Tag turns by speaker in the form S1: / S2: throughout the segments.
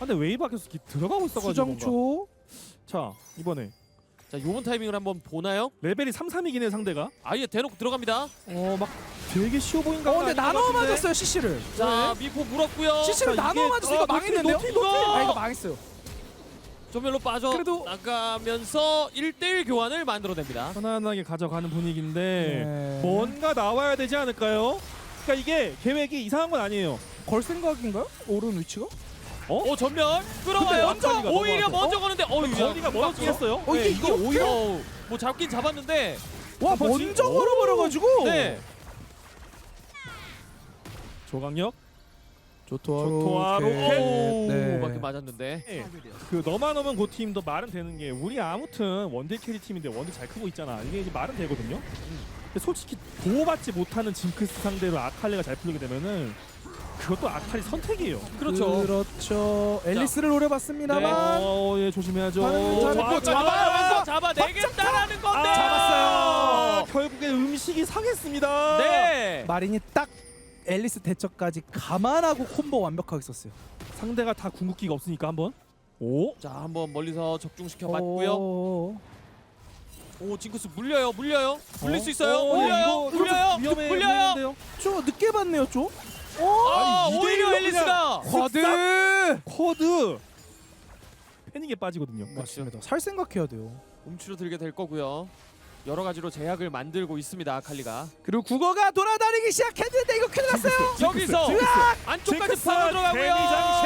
S1: 상대 웨이브 밖에서 들어가고 있어가지고 뭔가.
S2: 수정초.
S1: 자 이번에
S3: 자 요번 타이밍을 한번 보나요?
S1: 레벨이 3, 3이긴 해 상대가.
S3: 아예 대놓고 들어갑니다.
S1: 막 되게 쉬워 보인 거
S2: 근데 나눠 맞았어요 CC를.
S3: 자 미포 물었고요.
S2: CC를
S1: 자,
S2: 나눠
S1: 이게-
S2: 맞았어. 이거 망했는데요?
S1: 노티.
S2: 아 이거 망했어요.
S3: 전멸로 빠져
S2: 그래도-
S3: 나가면서 1대1 교환을 만들어냅니다.
S1: 편안하게 가져가는 분위기인데
S2: 네.
S1: 뭔가 나와야 되지 않을까요? 그러니까 이게 계획이 이상한 건 아니에요.
S2: 걸 생각인가요? 오른 위치가?
S3: 오 전멸 끌어와요.
S1: 근데 먼저
S3: 오히려
S1: 넘어왔어.
S3: 먼저 거는데
S1: 거리가 멀어지긴 했어요.
S2: 이게
S1: 이거
S2: 오히려
S3: 뭐 잡긴 잡았는데
S2: 와
S1: 버티-
S2: 먼저
S1: 오.
S2: 걸어버려가지고.
S3: 네.
S1: 조강력
S2: 조토하루
S1: 조토하루
S3: 오
S2: 네.
S3: 밖에 맞았는데.
S1: 그 너만 오면 그 팀도 말은 되는 게 우리 아무튼 원딜 캐리 팀인데 원딜 잘 크고 있잖아. 이게 이제 말은 되거든요. 근데 솔직히 보호받지 못하는 징크스 상대로 아칼리가 잘 풀리게 되면은 그것도 아칼리 선택이에요.
S3: 그렇죠.
S2: 그렇죠. 앨리스를 노려봤습니다만
S1: 예 조심해야죠.
S2: 반응은 잘했고
S3: 잡아내겠다라는 건데.
S1: 잡았어요. 결국에 음식이 상했습니다.
S3: 네.
S2: 마린이 딱 앨리스 대처까지 감안하고 콤보 완벽하게 썼어요.
S1: 상대가 다 궁극기가 없으니까 한번. 오.
S3: 자 한번 멀리서 적중시켜 봤고요.
S2: 오.
S3: 오 징크스 물려요. 물릴 수 있어요.
S1: 오,
S3: 물려요.
S1: 이거
S3: 물려요.
S1: 위험해
S3: 물려요.
S1: 보이는데요.
S2: 좀 늦게 봤네요, 좀.
S3: 아
S1: 아니,
S3: 오히려
S1: 이대일로
S3: 앨리스가.
S2: 쿼드.
S1: 코드 패닉에 빠지거든요.
S2: 맞습니다. 살 생각해야 돼요.
S3: 움츠러들게 될 거고요. 여러 가지로 제약을 만들고 있습니다. 아칼리가.
S2: 그리고 국어가 돌아다니기 시작했는데 이거 큰일 났어요.
S3: 여기서 안쪽까지
S1: 징크스
S3: 파고 들어가고요.
S1: 데미장식.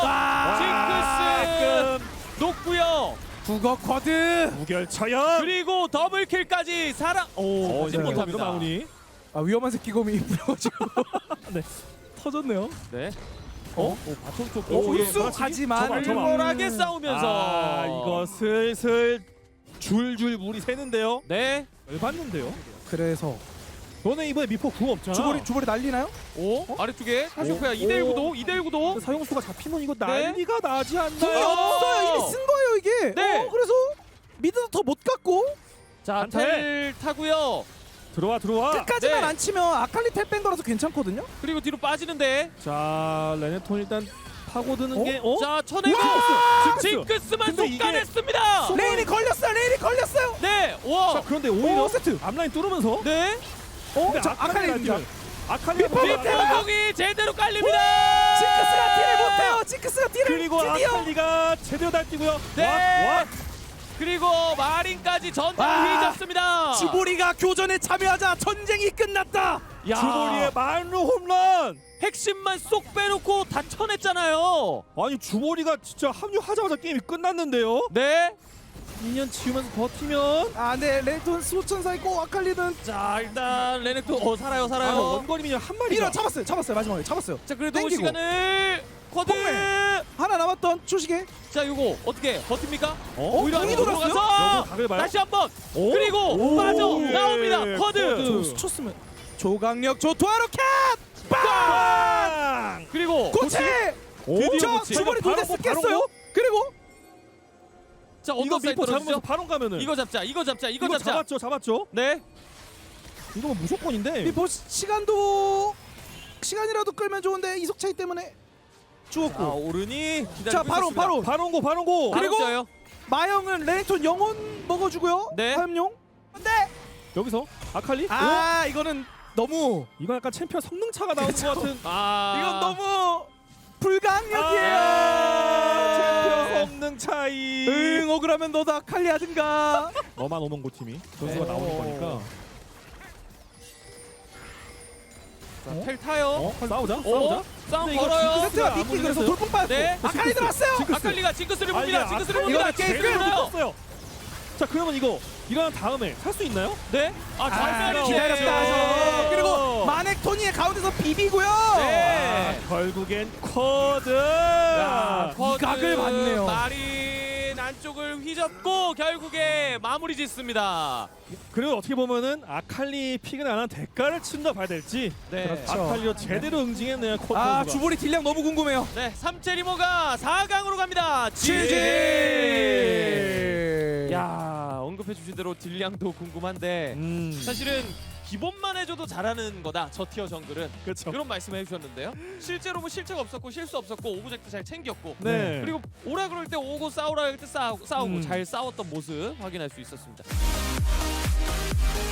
S3: 징크스 녹고요.
S2: 국어 쿼드.
S1: 무결처형.
S3: 그리고 더블킬까지 살아. 오, 하지
S1: 이거
S3: 못합니다.
S1: 마무리.
S2: 아 위험한 새끼곰이 불어가지고
S1: 터졌네요.
S3: 네.
S1: 오 바톤 쪽.
S2: 오,
S1: 예,
S2: 우수
S1: 그렇지.
S2: 하지만
S1: 저봐.
S3: 털털하게 싸우면서.
S1: 아 이거 슬슬 줄줄 물이 새는데요.
S3: 네.
S1: 열받는데요.
S2: 그래서
S1: 너네 이번에 미포 궁 없잖아.
S2: 주벌이 날리나요?
S3: 오 아래쪽에 카시오페아 2대1 구도 2대1 구도.
S1: 사용수가 잡히면 이거 난리가 나지 않나요?
S2: 궁이 없어요. 이미 쓴 거예요 이게.
S3: 네.
S2: 그래서 미드도 더 못 갔고
S3: 자
S1: 한테.
S3: 텔 타고요.
S1: 들어와.
S2: 끝까지만
S3: 네.
S2: 안 치면 아칼리 탭 뺀 거라서 괜찮거든요.
S3: 그리고 뒤로 빠지는데.
S1: 자 레네톤 일단 파고드는
S2: 어?
S1: 게
S3: 자 쳐내고 징크스만
S1: 근데 이게-
S3: 속가냈습니다.
S2: 레인이 걸렸어요.
S3: 네.
S1: 자
S3: 와.
S1: 그런데 오히려
S2: 오, 세트.
S1: 앞라인 뚫으면서
S3: 네.
S1: 근데
S2: 자 아칼리 등장.
S1: 아칼리
S3: 뒷배공이 제대로 깔립니다.
S2: 징크스가 딜을 못해요. 징크스가 딜을
S1: 그리고
S2: 드디어.
S1: 아칼리가 제대로 날뛰고요.
S3: 네.
S1: 와.
S3: 그리고 마린까지 전투를
S2: 와.
S3: 휘잡습니다.
S2: 주보리가 교전에 참여하자 전쟁이 끝났다.
S3: 야.
S1: 주보리의 만루 홈런.
S3: 핵심만 쏙 빼놓고 다 쳐냈잖아요.
S1: 아니 주보리가 진짜 합류하자마자 게임이 끝났는데요.
S3: 네.
S1: 2년 치우면서 버티면
S2: 아, 네, 레이톤 수호천사 있고 아칼리는
S3: 자 일단 레넥도 살아요.
S1: 원거리 미녀 한 마리가
S2: 밀어 잡았어요. 마지막에 잡았어요.
S3: 자 그래도
S2: 땡기고.
S3: 시간을 쿼드.
S2: 하나 남았던 초시계.
S3: 자 이거 어떻게 버팁니까?
S1: 오히려
S2: 공이
S1: 안으로
S2: 돌았어요?
S1: 들어가서
S3: 들어가서
S1: 각을 봐요.
S3: 다시 한번
S1: 오.
S3: 그리고
S1: 오.
S3: 빠져
S1: 예.
S3: 나옵니다. 쿼드.
S1: 쿼드.
S2: 스쳤으면 조강력 조토하루 캣.
S1: 빵!
S3: 그리고
S2: 고체.
S3: 드디어
S2: 자,
S3: 고치.
S2: 주벌이
S1: 바로
S2: 돌대
S1: 고,
S2: 쓰겠어요.
S1: 바로
S2: 그리고
S3: 자
S1: 이거
S3: 언더사이드
S1: 미포 잡으면서
S3: 떨어지죠?
S1: 바로 가면은
S3: 이거 잡자. 이거
S1: 이거 잡았죠.
S3: 네.
S1: 이거 뭐 무조건인데.
S2: 이 시간이라도 끌면 좋은데 이속 차이 때문에
S3: 자
S2: 죽었고.
S3: 오른이 기다리고
S2: 자, 바로
S3: 있었습니다.
S1: 바론고.
S2: 그리고
S3: 바로
S2: 마영은 레이톤 영혼 먹어주고요.
S3: 네.
S2: 화염용. 근데
S1: 여기서 아칼리?
S2: 아 이거는 너무
S1: 이건 약간 챔피언 성능 차가 나오는 것 같은.
S3: 아
S2: 이건 너무 불가항력이에요.
S1: 챔피언 성능 차이.
S2: 응 억울하면 너도 아칼리 하든가.
S1: 너만 오면 고 팀이 선수가
S3: 네.
S1: 나오는 거니까.
S3: 자, 텔 타요.
S1: 싸우자.
S3: 싸움
S1: 근데 이거
S3: 걸어요.
S1: 징크스-
S2: 세트가
S1: 안
S2: 미끼 그래서
S1: 물렸어요?
S2: 돌풍 빠졌고.
S3: 네.
S2: 아칼리 들어왔어요.
S1: 징크스.
S3: 아칼리가 징크스를
S1: 아,
S3: 봅니다.
S1: 이게
S3: 징크스를
S1: 아칼리가
S3: 봅니다.
S2: 게임
S3: 징크스를
S2: 끝나요.
S3: 봐요.
S1: 떴어요. 자 그러면 이거 일어난 다음에 살 수 있나요?
S3: 네. 아 장면이
S2: 기다렸다. 그리고 마넥 토니의 가운데서 비비고요.
S3: 네.
S1: 결국엔 쿼드.
S3: 야,
S2: 이 각을 봤네요.
S3: 마린 안쪽을 휘젓고 결국에 마무리 짓습니다.
S1: 그리고 어떻게 보면은 아칼리 픽은 안 한 대가를 친다 봐야 될지.
S3: 네.
S2: 그렇죠.
S1: 아칼리가 제대로 응징했네요. 쿼드
S2: 아
S1: 선수가.
S2: 주보리 딜량 너무 궁금해요.
S3: 네, 삼체리모가 4강으로 갑니다.
S2: GG.
S3: 야, 언급해 주신 대로 딜량도 궁금한데 사실은 기본만 응원해줘도 잘하는 거다. 저 티어 정글은
S1: 그렇죠.
S3: 그런 말씀을 해주셨는데요. 실제로 뭐 실책 없었고 실수 없었고 오브젝트 잘 챙겼고
S1: 네.
S3: 그리고 오라 그럴 때 오고 싸우라 할 때 싸우고
S1: 음.
S3: 잘 싸웠던 모습 확인할 수 있었습니다.